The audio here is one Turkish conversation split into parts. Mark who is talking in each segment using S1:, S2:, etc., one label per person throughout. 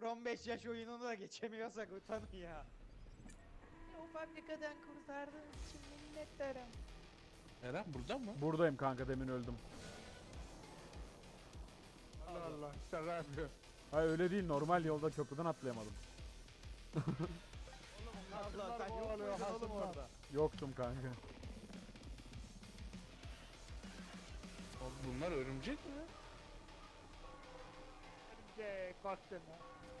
S1: 0-15 yaş oyununu da geçemiyorsak utanın ya. O fabrikadan kurtardığınız için minnettarım.
S2: Eren burada mı?
S3: Buradayım kanka, demin öldüm.
S4: Allah Allah. Şaka yapıyor.
S3: Hayır öyle değil, normal yolda köprüden atlayamadım.
S1: Allah sen yok
S4: kovalıyor,
S1: muydun oğlum
S4: hasımlar.
S1: orada?
S3: Yoktum kanka.
S2: Oğlum bunlar örümcek mi?
S4: Örümcek baktın ha.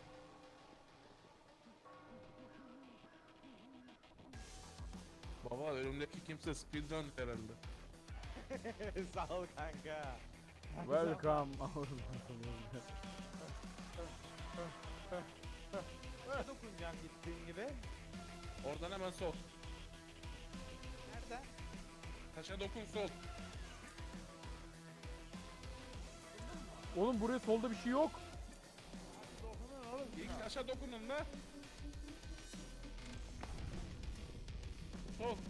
S2: Baba önümdeki kimse speedrun herhalde.
S1: Sağ ol kanka.
S3: Welcome.
S1: Ne dokunacağım gittiğin gibi?
S2: Oradan hemen sol.
S1: Nerede?
S2: Taşa dokun sol.
S3: Oğlum buraya solda bir şey yok.
S4: Dokunun oğlum.
S2: İlk taşa dokunun da. Sol.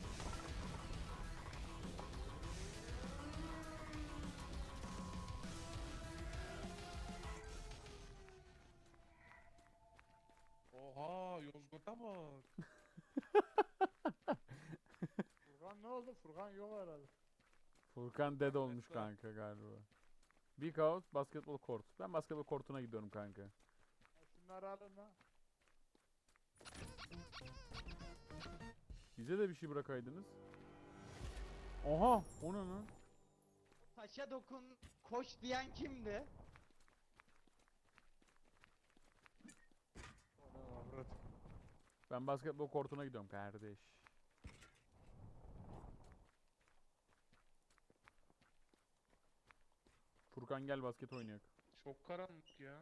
S2: Oha Yozgat'a bak.
S4: Furkan ne oldu? Furkan yok herhalde.
S3: Furkan dead olmuş
S2: var.
S3: kanka galiba. Big House basketbol kort. Ben basketbol kortuna gidiyorum kanka.
S4: Ya şunları alın lan.
S3: Bize de bir şey bırakaydınız. Oha, o ne lan?
S1: Taşa dokun koş diyen kimdi?
S3: Ben basketbol kortuna gidiyorum kardeş. Furkan gel basket oynayak.
S2: Çok karanlık ya.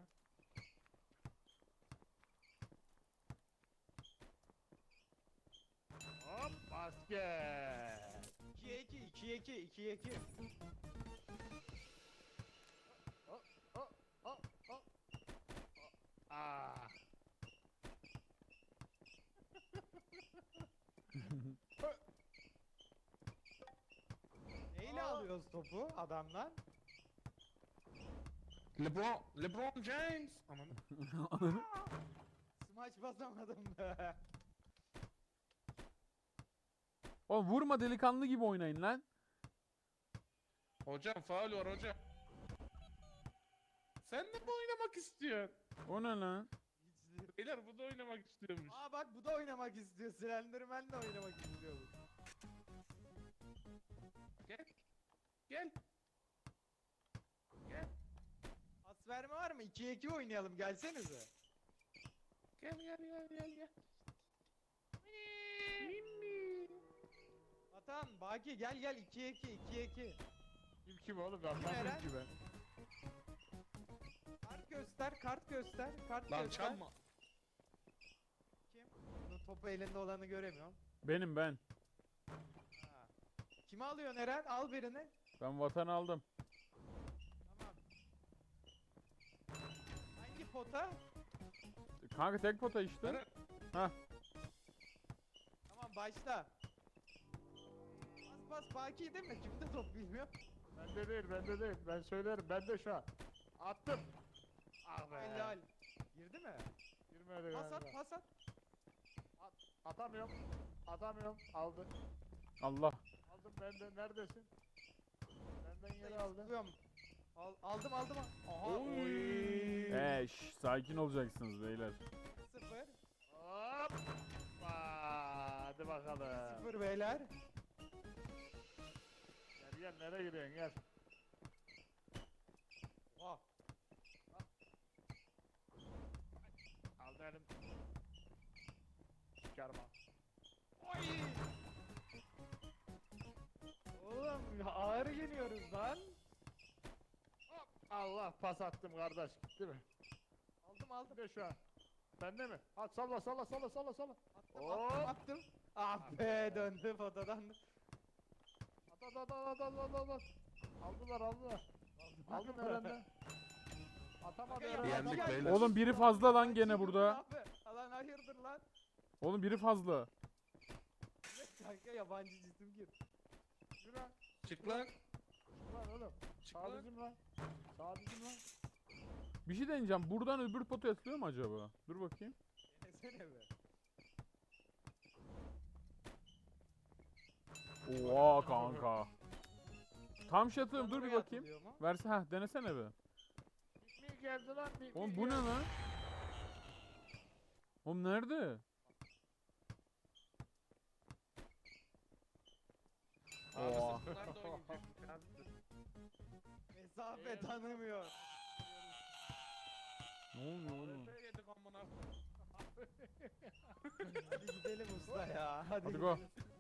S4: Hop basket.
S1: 2'ye 2, 2'ye 2, 2'ye 2.
S4: Hop hop hop hop. Ah.
S1: Neyle alıyoruz topu adamdan?
S2: LeBron James. Aman.
S1: Smaç basamadım be.
S3: Oğlum vurma, delikanlı gibi oynayın lan.
S2: Hocam faul var hocam. Sen de mi oynamak istiyorsun?
S3: O ne lan?
S1: Hiç-
S2: Beyler bu da oynamak istiyormuş.
S1: Aa bak bu da oynamak istiyor. Slenderman de oynamak istiyor.
S2: Gel. Gel. Gel.
S1: Pas verme var mı? 2'ye 2 oynayalım gelsenize.
S2: Gel.
S1: Atan, Baki gel 2'ye 2, 2'ye 2.
S4: Kim oğlum? Ben
S1: Eren?
S4: bakmıyorum ki ben.
S1: Kart göster, kart göster, kart
S2: Lan
S1: göster.
S2: çalma.
S1: Kim? Bunun topu elinde olanı göremiyorum.
S3: Benim ben.
S1: Ha. Kimi alıyorsun Eren? Al birini.
S3: Ben vatanı aldım.
S1: Tamam. Hangi pota?
S3: Kanka tek pota işte.
S2: Eren.
S3: Hah.
S1: Tamam başla. Bas Baki değil mi? Kimde top bilmiyorum.
S4: Bende değil. Ben söylerim. Bende şu an. Attım. Ah be.
S1: Helal. Girdi mi?
S4: Girmedi
S1: Pas at,
S4: galiba.
S1: pas at.
S4: Atamıyorum. Atamıyorum. Aldı.
S3: Allah.
S4: Aldım bende. Neredesin? Benden geri aldı.
S1: Tutuyorum. Aldım. Aha.
S2: Oy.
S1: Oy.
S3: Sakin olacaksınız beyler.
S1: 0.
S4: Hop. Hadi bakalım.
S1: 0 beyler.
S4: Gel nereye gidiyorsun gel.
S1: Oh.
S4: Aldı elim. Çıkarma.
S1: Oy. Oğlum ya ağır geliyoruz lan.
S4: Hop. Allah pas attım kardeş gitti mi?
S1: Aldım.
S4: Bir de şu an. Bende mi? At salla.
S1: Attım.
S4: Hop.
S1: Ah be döndü fotodan.
S4: At. Aldılar. Aldım Eren'den. Atamadı Eren.
S2: Yendik
S4: atamadı.
S2: beyler.
S3: Oğlum biri fazla lan gene burada.
S1: Lan hayırdır lan?
S3: Oğlum biri fazla.
S1: Kanka yabancı cisim gir.
S4: Yürü lan.
S2: Çık lan.
S4: Lan oğlum.
S2: Çık
S4: Sağ
S2: lan.
S4: bizim lan. Sağ bizim lan.
S3: Bir şey deneyeceğim. Buradan öbür potaya atılıyor mu acaba? Dur bakayım.
S1: Denesene be.
S3: Oha kanka. Tam şey atıyorum. Dur bir
S1: Oraya
S3: bakayım.
S1: atılıyor mu?
S3: Verse denesene be.
S4: Pikniğe geldi lan pikniğe
S3: Oğlum bu ne
S4: geldi.
S3: lan? Oğlum nerede?
S2: Abi
S3: Oha.
S2: sırtlar da oynayacak. Abi dur.
S1: Mesafe tanımıyor.
S3: Ne oluyor oğlum?
S2: Öyle yedik amına.
S1: Hadi gidelim usta ya.
S3: Hadi go.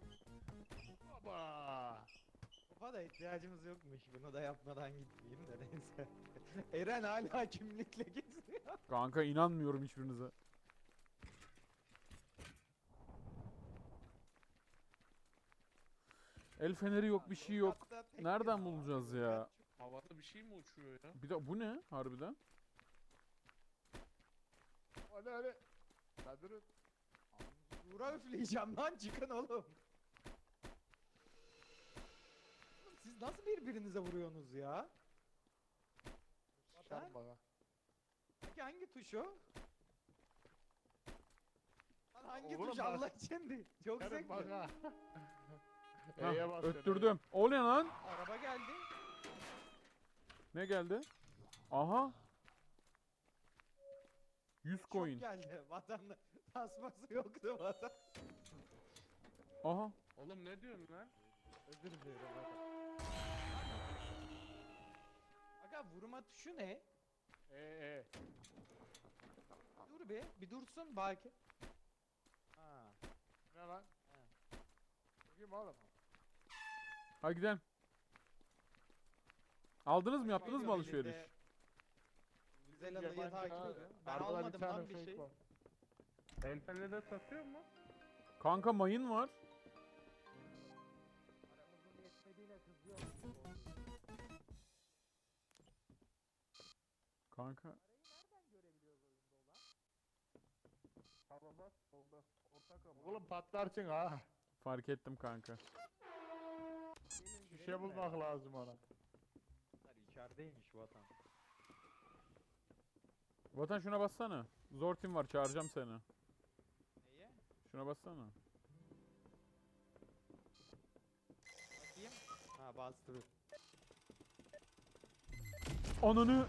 S4: Baba.
S1: Topa da ihtiyacımız yokmuş. Bunu da yapmadan gitmeyeyim de neyse. Eren hala kimlikle geziyor.
S3: Kanka inanmıyorum hiçbirinize. El feneri yok, bir şey yok.
S1: Hatta tek
S3: Nereden
S1: ya.
S3: bulacağız ya?
S2: Havada bir şey mi uçuyor ya?
S3: Bir de bu ne harbiden?
S4: Hadi. Hadi durun.
S1: Uğra üfleyeceğim lan, çıkın oğlum. Oğlum siz nasıl birbirinize vuruyorsunuz ya?
S4: Sıçarım bana.
S1: Peki hangi tuş o? Lan hangi
S4: Oğlum
S1: tuş
S4: bak.
S1: Allah için değil. Çok
S4: Sıçarım
S1: zevkli.
S4: bana.
S3: Hah,
S4: E'ye bas.
S3: öttürdüm. O ne lan?
S1: Araba geldi.
S3: Ne geldi? Aha. 100
S1: Çok
S3: coin.
S1: geldi. Vatanda tasması yoktu vatan.
S3: Aha.
S2: Oğlum ne diyorsun lan?
S1: Özür dilerim vatan. Aga vurma tuşu ne?
S4: E.
S1: Dur bir dursun belki. Ha.
S4: Ne lan? Bakayım oğlum.
S3: Hadi gidelim. Aldınız mı? Yaptınız mı
S1: Geliyor
S3: alışveriş?
S1: elinde. Güzel alıyı
S4: Yabancı
S1: takip
S4: abi.
S1: ediyorum. Ben
S4: Arabada
S1: almadım
S4: tane
S1: lan bir
S4: fake
S1: şey.
S4: var.
S2: El feneri satıyor mu?
S3: Kanka mayın var.
S1: Paramızın yetmediğine kızıyor.
S3: Kanka.
S2: Hava bak solda. Ortak ama.
S4: Oğlum patlarsın ha.
S3: Fark ettim kanka.
S4: Bir şey bulmak lazım ona.
S1: Bunlar içerideymiş vatan.
S3: Vatan şuna bassana. Zor team var, çağıracağım seni.
S1: Neye?
S3: Şuna bassana.
S1: Bakayım. Ha bastı.
S3: Ananı.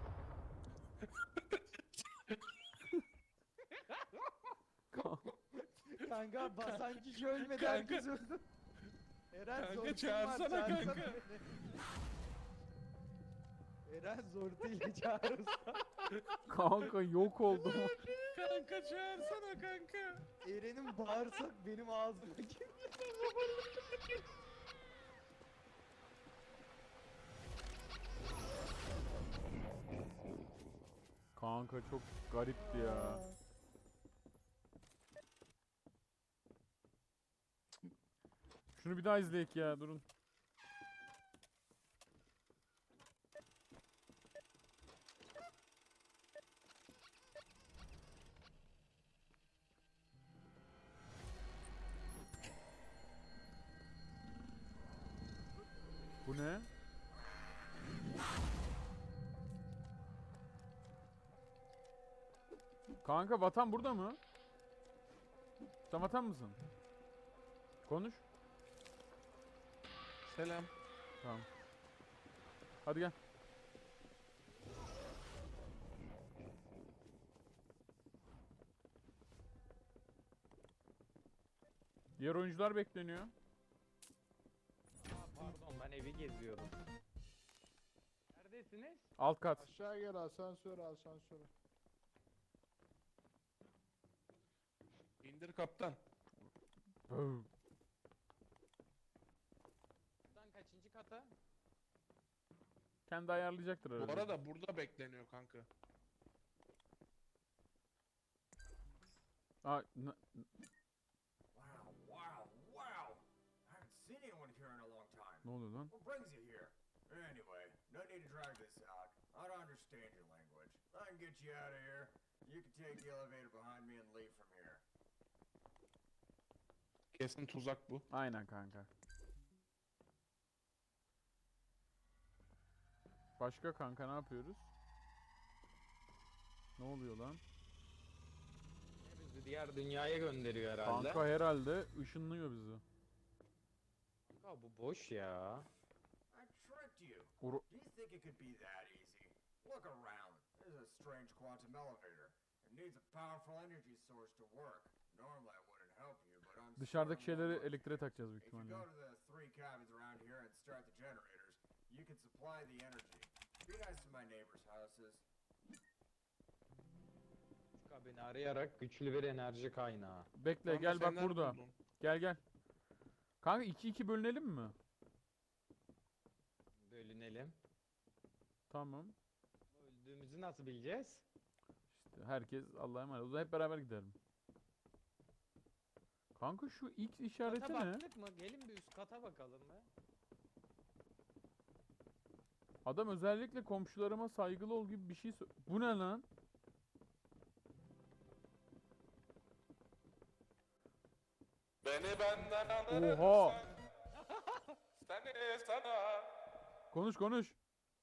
S1: Kanka basan kişi ölmedi,
S2: Kanka.
S1: herkes öldü. Eren
S2: Kanka,
S1: zortun
S2: çağırsana
S1: var,
S2: kanka.
S1: beni. Eren zortuyla çağır usta.
S3: Kanka yok oldum.
S2: Kanka çağırsana kanka.
S1: Eren'in bağırsak benim ağzıma girdi.
S3: Kanka çok garipti ya. Şunu bir daha izleyek ya, durun. Bu ne? Kanka vatan burada mı? Sen vatan mısın? Konuş.
S2: Selam.
S3: Tamam. Hadi gel. Diğer oyuncular bekleniyor.
S1: Pardon, ben evi geziyorum. Neredesiniz?
S3: Alt kat.
S4: Aşağı gel asansöre.
S2: İndir kaptan.
S3: Böv.
S1: Buradan kaçıncı kata?
S3: Kendi ayarlayacaktır
S2: Bu
S3: herhalde.
S2: arada burada bekleniyor kanka.
S3: Aa,
S5: Wow, wow, wow! I haven't seen anyone here in a long time.
S3: ne oluyor lan?
S5: What brings you here? Anyway, no need to drag this out. I don't understand your language. I can get you out of here. You can take the elevator behind me and leave from here.
S2: Kesin tuzak bu.
S3: Aynen kanka. Başka kanka ne yapıyoruz? Ne oluyor lan?
S4: Bizi diğer dünyaya gönderiyor herhalde.
S3: Kanka herhalde ışınlıyor bizi.
S4: Kanka bu boş ya.
S5: I tricked you.
S3: Uru-
S5: Do you think it could be that easy? Look around. There's a strange quantum elevator. It needs a powerful energy source to work. Normally I wouldn't help you, but I'm
S3: Dışarıdaki
S5: sorry,
S3: şeyleri
S5: Lord.
S3: elektriğe takacağız büyük
S5: If you
S3: ihtimalle.
S5: go to the 3 cabins around here and start the generators, you can supply the energy. Be nice to my neighbors' houses.
S4: Beni arayarak güçlü bir enerji kaynağı.
S3: Bekle
S2: Kanka
S3: gel
S2: sen
S3: bak
S2: nerede
S3: burada.
S2: buldun?
S3: Gel gel. Kanka 2-2 bölünelim mi?
S4: Bölünelim.
S3: Tamam.
S4: Öldüğümüzü nasıl bileceğiz?
S3: İşte herkes Allah'a emanet. O zaman hep beraber gidelim. Kanka şu X işareti
S4: Kata
S3: ne?
S4: baktık mı? Gelin bir üst kata bakalım be.
S3: Adam özellikle komşularıma saygılı ol gibi bir şey Bu ne lan?
S2: Beni benden alırım
S3: Oha!
S2: sen. Seni sana.
S3: Konuş konuş.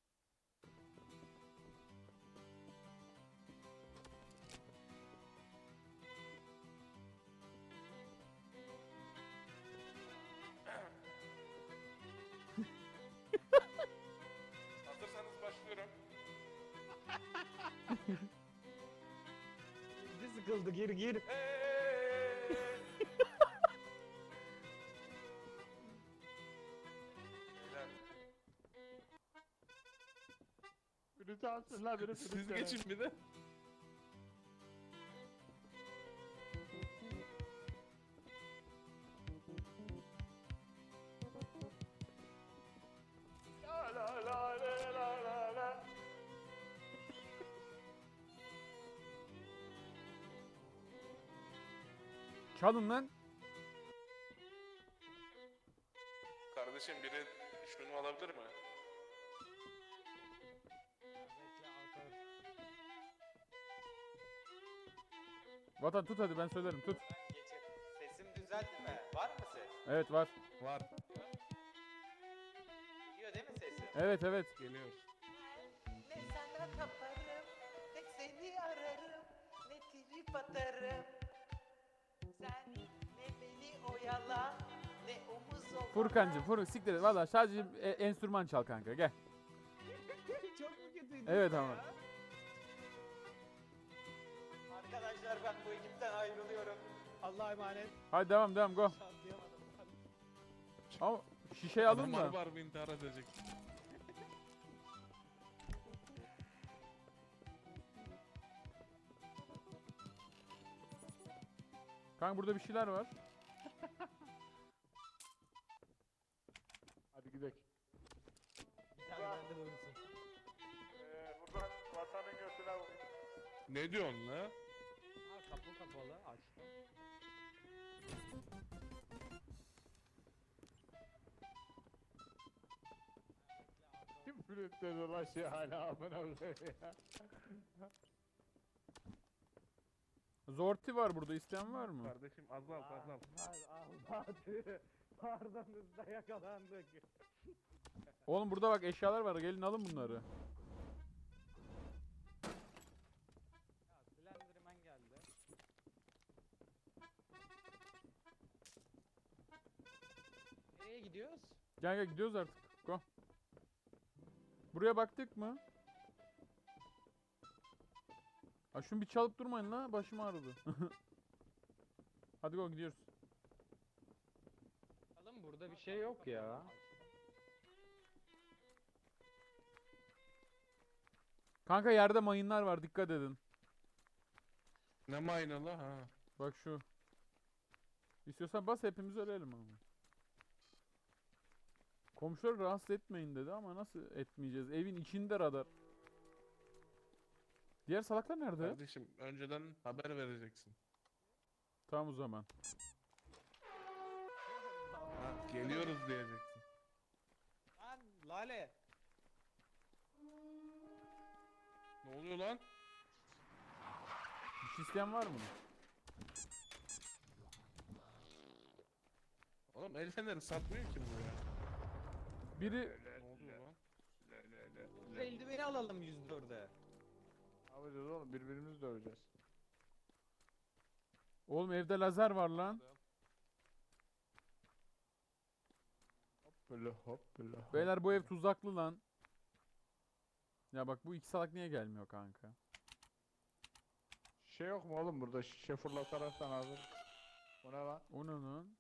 S2: Hazırsanız başlıyorum.
S4: Bir sıkıldı gir gir.
S2: Beyler,
S4: Biri çalsın la biri
S2: siz geçin bir de.
S3: Çalın lan.
S2: Kardeşim biri şunu alabilir mi?
S3: Vatan tut hadi ben söylerim tut.
S6: Sesim düzeldi mi? Var mı ses?
S3: Evet var.
S2: Var.
S6: Gidiyor değil mi sesim?
S3: Evet evet.
S2: Geliyor.
S1: Ne sana kaparım, ne seni ararım, ne trip atarım. Sen ne beni oyala, ne omuz ovala.
S3: Furkancığım siktir et. Valla sadece enstrüman çal kanka gel.
S1: Çok mu kötüydü?
S3: Evet ama.
S6: Arkadaşlar ben bu ekipten ayrılıyorum. Allah'a emanet.
S3: Hadi devam devam go.
S1: Şantlayamadım.
S3: Ama şişeyi alın
S2: Adam
S3: da.
S2: harbi intihar edecek.
S3: Kanka burada bir şeyler var.
S4: Hadi gidelim.
S1: Bir tane bende vurursun.
S4: Buradan vatanın götüne vur.
S2: Ne diyorsun la?
S4: Ha kapı kapalı açtım. Kim flütledi ulan şey hala amına koyayım ya.
S3: Zorti var burada isteyen var mı?
S2: Kardeşim azalt azalt.
S4: Almadı. Pardonuzda yakalandık.
S3: Oğlum burada bak eşyalar var gelin alın bunları.
S4: Ya Slenderman geldi. Nereye gidiyoruz?
S3: Gel gel gidiyoruz artık. Go. Buraya baktık mı? Ha şunu bir çalıp durmayın la başım ağrıdı. Hadi go gidiyoruz.
S4: Oğlum burada bir şey yok ya.
S3: Kanka yerde mayınlar var dikkat edin.
S2: Ne maynalı ha.
S3: Bak şu. İstiyorsan bas hepimiz ölelim ama. Komşuları rahatsız etmeyin dedi ama nasıl etmeyeceğiz? Evin içinde radar. Diğer salaklar nerede?
S2: Kardeşim önceden haber vereceksin.
S3: Tamam o zaman.
S2: Ha, geliyoruz diyeceksin.
S1: Lan Lale.
S2: Ne oluyor lan?
S3: Bir şey isteyen var mı?
S2: Oğlum el feneri satmıyor ki bu ya.
S3: Biri
S2: Ne oluyor lan?
S1: Eldiveni alalım 104'e.
S4: yapacağız oğlum? Birbirimizi döveceğiz.
S3: Oğlum evde lazer var lan.
S4: Hop böyle hop böyle hop.
S3: Beyler bu ev tuzaklı lan. Ya bak bu iki salak niye gelmiyor kanka?
S4: Şey yok mu oğlum burada şişe fırlatarsan hazır. O ne lan?
S3: O ne lan?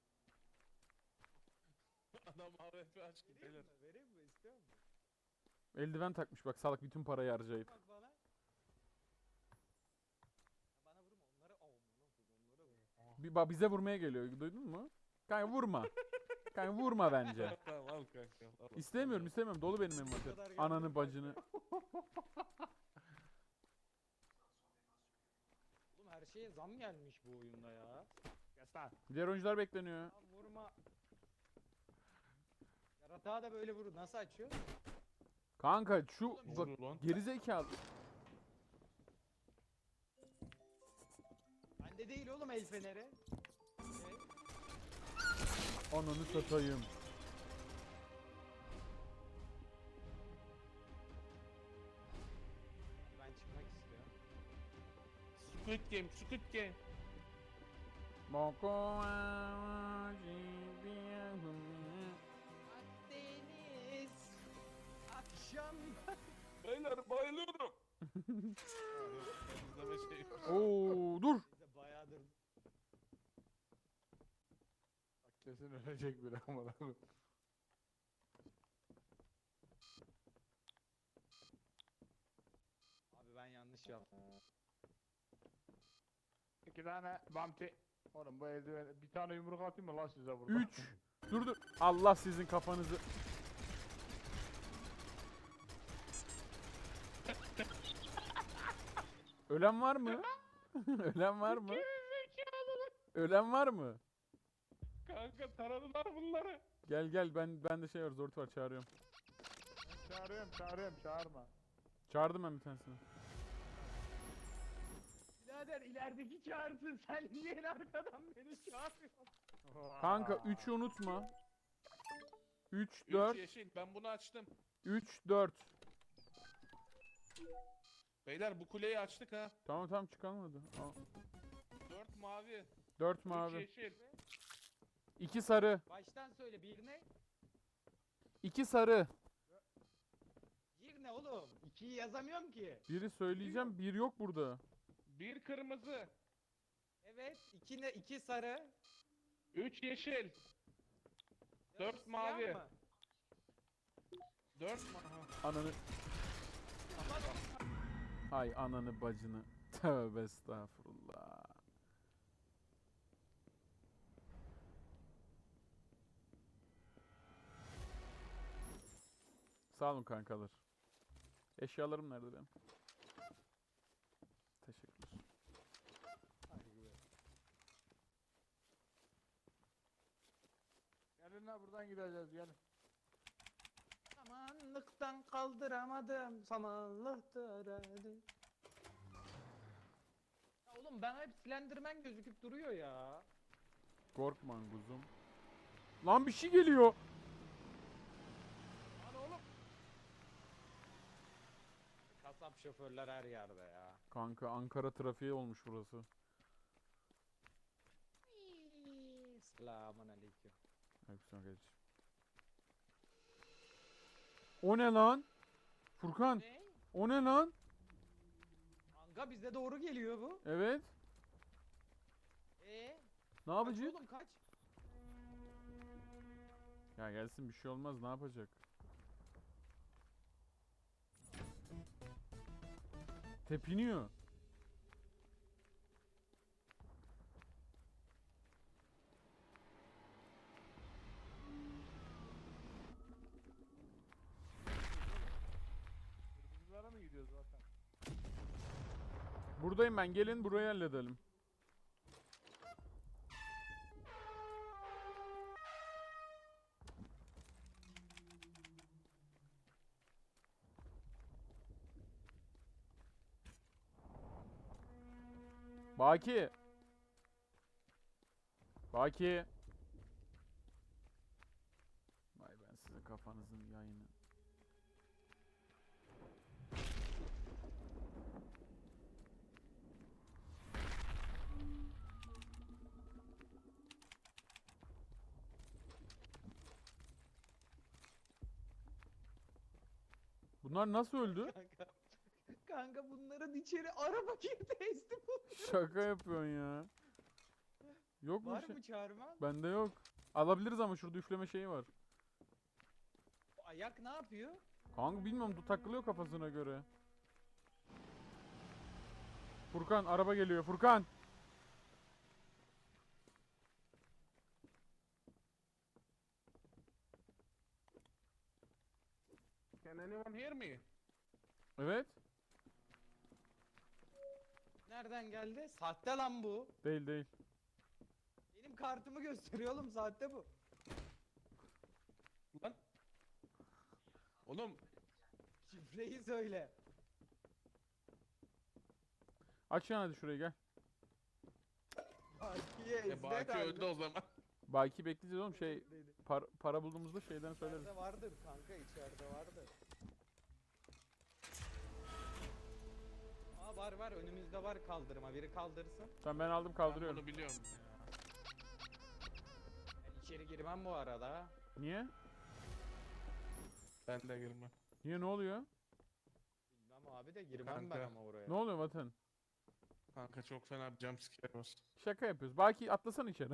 S2: Adam AWP aç ki beyler.
S1: Vereyim mi? İstiyor musun?
S3: Eldiven takmış bak salak bütün parayı harcayıp.
S1: Bak bana. Ya bana vurma onları. Onları vur.
S3: Bize vurmaya geliyor. Duydun mu? Kanka vurma. Kanka vurma bence.
S2: Tamam al kanka. Al.
S3: İstemiyorum. Dolu benim envanter.
S1: kadar geldi.
S3: Ananı bacını.
S1: Oğlum her şeye zam gelmiş bu oyunda ya.
S4: Kes lan.
S3: Diğer oyuncular bekleniyor.
S1: Ya vurma. Yaratığa da böyle vurur. Nasıl açıyor?
S3: Kanka şu
S1: Oğlum,
S3: bak
S2: Vurdu lan.
S3: gerizekalı.
S1: Bende değil oğlum el feneri. Şey,
S3: Ananı satayım.
S1: ben çıkmak istiyorum.
S2: Squid Game, Squid Game.
S1: Akdeniz akşam.
S2: Beyler bayılıyorum. İzleme şey.
S3: Oo dur.
S1: Bize bayağıdır
S4: Bak kesin ölecek biri amına koyayım.
S1: abi ben yanlış yaptım.
S4: 2 tane bamti. Oğlum bu eldiveni bir tane yumruk atayım mı lan size burada?
S3: 3. Dur. Allah sizin kafanızı. Ölen var mı? Ölen var mı? Ölen var mı?
S2: Kanka taradılar bunları.
S3: Gel ben de şey var zort var çağırıyorum.
S4: Çağırıyorum çağırma.
S3: Çağırdım ben bir tanesini.
S1: Birader ilerideki çağırsın sen niye en arkadan beni çağırıyorsun?
S3: Kanka 3'ü unutma. 3
S2: 3
S3: 4
S2: yeşil ben bunu açtım.
S3: 3 4.
S2: Beyler bu kuleyi açtık ha.
S3: Tamam çıkalım hadi.
S2: 4 mavi.
S3: 4
S2: 3
S3: mavi.
S2: yeşil.
S3: 2 sarı.
S1: Baştan söyle bir ne?
S3: 2 sarı.
S1: Bir ne oğlum? İkiyi yazamıyorum ki.
S3: Biri söyleyeceğim, bir yok burada.
S2: 1 kırmızı.
S1: Evet iki ne? İki sarı.
S2: 3 yeşil.
S1: Dört
S2: Dört mavi.
S1: siyah mı?
S2: 4 mavi.
S3: Ananı. Hay ananı bacını. Tövbe estağfurullah. Sağ olun kankalar. Eşyalarım nerede benim? Teşekkürler.
S4: Gelin lan buradan gideceğiz gelin.
S1: Samanlıktan kaldıramadım. Samanlıktır hadi. Ya oğlum ben hep Slenderman gözüküp duruyor ya.
S3: Korkma kuzum. Lan bir şey geliyor.
S1: Lan oğlum. Kasap şoförler her yerde ya.
S3: Kanka Ankara trafiği olmuş burası.
S1: Selamun aleyküm.
S3: Aleykümselam kardeşim. O ne lan? Furkan,
S1: Ne?
S3: o ne lan?
S1: Kanka bize doğru geliyor bu.
S3: Evet. Ne
S1: Kaç
S3: yapacak?
S1: oğlum kaç.
S3: Ya gelsin bir şey olmaz ne yapacak? Tepiniyor.
S4: Kırmızılara mı gidiyoruz zaten?
S3: Buradayım ben gelin burayı halledelim. Baki. Baki. Vay ben sizin kafanızın yayını. Bunlar nasıl öldü?
S1: Kanka. Kanka bunların içeri araba girdi ezdi bu.
S3: Şaka yapıyorsun ya. Yok mu
S1: Var
S3: şey?
S1: mı çağırma?
S3: Bende yok. Alabiliriz ama şurada üfleme şeyi var.
S1: Bu ayak ne yapıyor?
S3: Kanka bilmiyorum takılıyor kafasına göre. Furkan araba geliyor Furkan.
S2: Can anyone hear me?
S3: Evet.
S1: Nereden geldi? Sahte lan bu.
S3: Değil değil.
S1: Benim kartımı gösteriyor oğlum, sahte bu.
S2: Lan. Oğlum
S1: Şifreyi söyle.
S3: Aç yani hadi şurayı gel.
S1: Bakiye ezdi
S2: Baki öldü o zaman.
S3: Baki bekleyeceğiz oğlum şey para bulduğumuzda şeyden söyleriz.
S1: İçeride vardır kanka, içeride vardır. Aa var önümüzde var kaldırma, biri kaldırsın.
S3: Tamam ben aldım
S2: Ben
S3: kaldırıyorum.
S2: bunu biliyorum ya.
S1: Ben içeri girmem bu arada.
S3: Niye?
S2: Ben de girmem.
S3: Niye ne oluyor?
S1: Bilmem abi de girmem ben
S2: Kanka.
S1: ama oraya.
S3: Ne oluyor Vatan?
S2: Kanka çok fena bir jumpscare var.
S3: Şaka yapıyoruz. Baki atlasana içeri.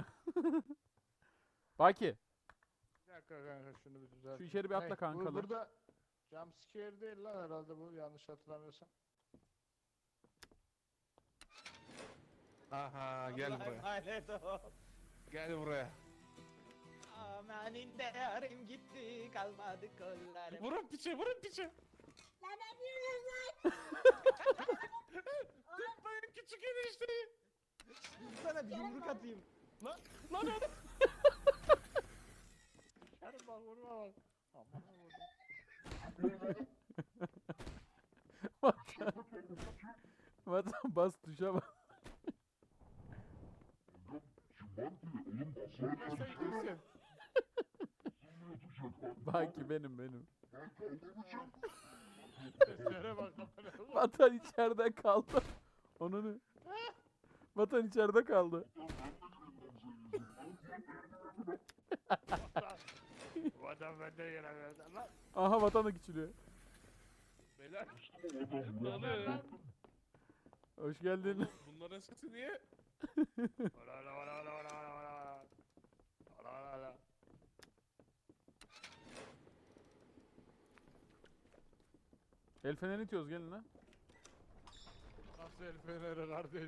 S3: Baki
S4: Bir dakika kanka şunu bir düzelt.
S3: şu içeri bir atla
S4: Hey,
S3: kanka. lan.
S4: Burada jumpscare değil lan herhalde bu, yanlış hatırlamıyorsam.
S2: Aha gel
S1: Allah'a
S2: buraya.
S1: emanet ol.
S2: Gel buraya.
S1: Amanın değerim gitti, kalmadı kollarım.
S2: Vurun piçe vurun piçe.
S7: Lan ne diyorsun lan?
S2: Tutmayın küçük enişteyi.
S1: Sana bir yumruk atayım.
S2: Lan oğlum.
S4: Yarın bak vurma bak. Aman vurdum.
S3: Vatan bas tuşa bak.
S4: Sen iyisin.
S3: Baki benim.
S4: Seslere bak.
S3: Vatan içeride kaldı. Onu ne? Vatan içeride kaldı.
S4: Bu adam benden yere verdi lan.
S3: Aha vatan da küçülüyor.
S2: Beyler. Ne oluyor ya?
S3: Hoş geldin.
S2: Bunların sesi niye?
S4: Ola ola ola ola ola ola ola. Ola ola ola.
S3: El feneri itiyoruz gelin lan.
S4: Nasıl el feneri kardeş?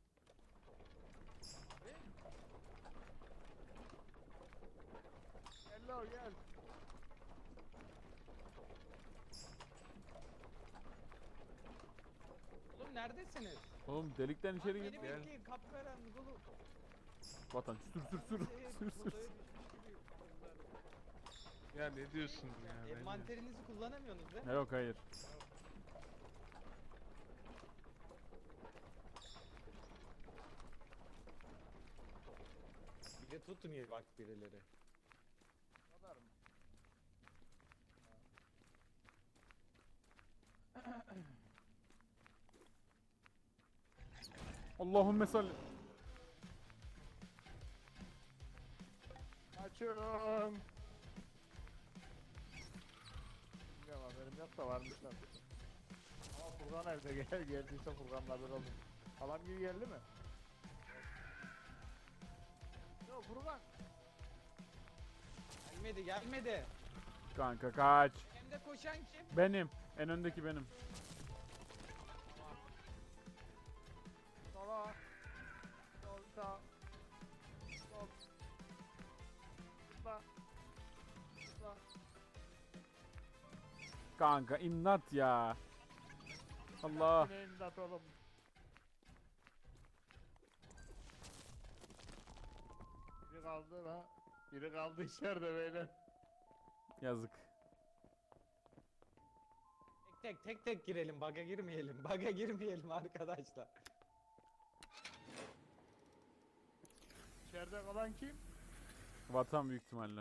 S4: Hello gel.
S1: Oğlum neredesiniz?
S3: Oğlum delikten içeri
S1: Beni
S3: gir.
S1: bekleyin, kapkaranlık oğlum.
S3: Vatan sür.
S2: Ya ne diyorsun ya? ne diyorsun?
S1: Envanterinizi kullanamıyorsunuz değil mi?
S3: Yok hayır.
S1: Bir de tutun ya bak birileri.
S4: Kadar mı?
S3: Allahümme salli.
S4: Açıyorum. Bilmiyorum haberim yok da varmışlar. Ama Furkan evde geldiyse Furkan'la bir oldum. Halam gibi geldi mi? Yok Furkan.
S1: Gelmedi.
S3: Kanka kaç.
S1: Hem de koşan kim?
S3: Benim. En öndeki benim.
S4: Sola. Sol sağ. Sol. Zıpla. Zıpla.
S3: Kanka imdat ya. Allah.
S4: Yine imdat oğlum. Biri kaldı la. Biri kaldı içeride beyler.
S3: Yazık.
S1: Tek girelim, baga girmeyelim. Baga girmeyelim arkadaşlar.
S4: İçeride kalan kim?
S3: Vatan büyük ihtimalle.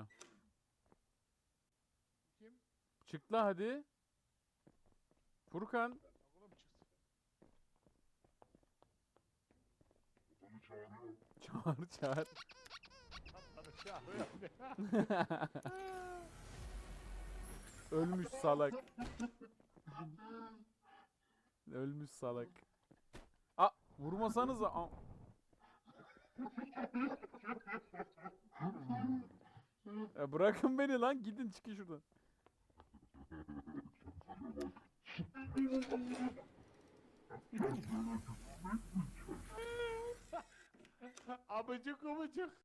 S4: Kim?
S3: Çık la hadi. Furkan.
S4: Oğlum çıksın.
S3: Çağır.
S4: Kaptanı çağırıyor.
S3: Ölmüş salak. Ölmüş salak. A vurmasanıza. Ya bırakın beni lan, gidin çıkın şuradan.
S4: Abıcık abıcık.